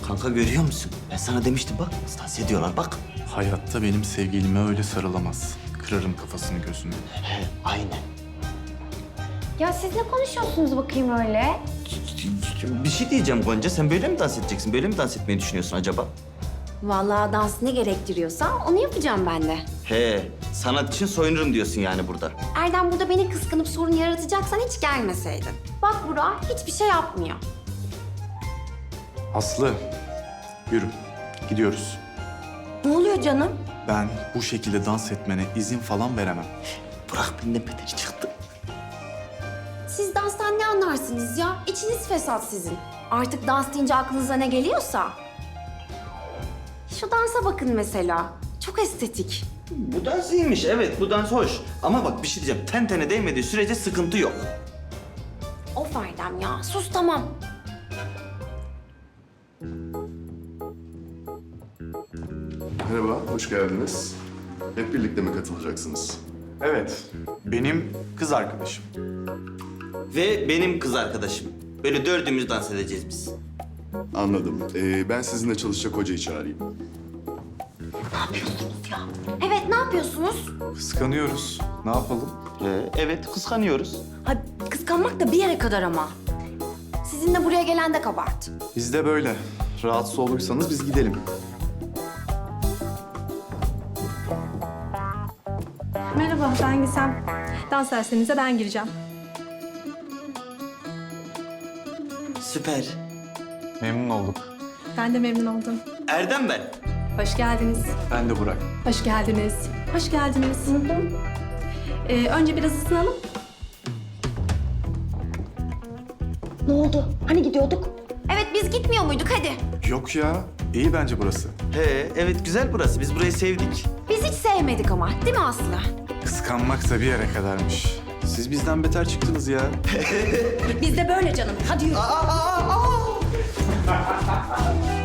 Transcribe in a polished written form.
Kanka görüyor musun? Ben sana demiştim bak. Dans ediyorlar bak. Hayatta benim sevgilime öyle sarılamaz. Kırarım kafasını gözünü. He, aynen. Ya siz ne konuşuyorsunuz bakayım öyle? Bir şey diyeceğim Gonca. Sen böyle mi dans edeceksin? Böyle mi dans etmeyi düşünüyorsun acaba? Vallahi dans ne gerektiriyorsa onu yapacağım ben de. He, sanat için soyunurum diyorsun yani burada. Erdem burada beni kıskanıp sorun yaratacaksan hiç gelmeseydin. Bak Burak hiçbir şey yapmıyor. Aslı, yürü. Gidiyoruz. Ne oluyor canım? Ben bu şekilde dans etmene izin falan veremem. Burak benden beter çıktı. Siz danstan ne anlarsınız ya? İçiniz fesat sizin. Artık dans deyince aklınıza ne geliyorsa. Şu dansa bakın mesela. Çok estetik. Bu dans iyiymiş, evet bu dans hoş. Ama bak bir şey diyeceğim. Ten tene değmediği sürece sıkıntı yok. Of Erdem ya, sus tamam. Merhaba, hoş geldiniz. Hep birlikte mi katılacaksınız? Evet, benim kız arkadaşım. Ve benim kız arkadaşım. Böyle dördümüz dans edeceğiz biz. Anladım. Ben sizinle çalışacak hocayı çağırayım. Evet, ne yapıyorsunuz? Kıskanıyoruz. Ne yapalım? Evet, kıskanıyoruz. Ha, kıskanmak da bir yere kadar ama. Sizinle buraya gelen de kabahat. Biz de böyle. Rahatsız olursanız biz gidelim. Merhaba, ben Gizem. Dans derslerinize ben gireceğim. Süper. Memnun olduk. Ben de memnun oldum. Erdem ben. Hoş geldiniz. Ben de Burak. Hoş geldiniz. Hoş geldiniz. Önce biraz ısınalım. Ne oldu? Hani gidiyorduk? Evet, biz gitmiyor muyduk? Hadi. Yok ya, iyi bence burası. He, evet güzel burası. Biz burayı sevdik. Biz hiç sevmedik ama, değil mi Aslı? Kıskanmak da bir yere kadarmış. Siz bizden beter çıktınız ya. Biz de böyle canım. Hadi yürü.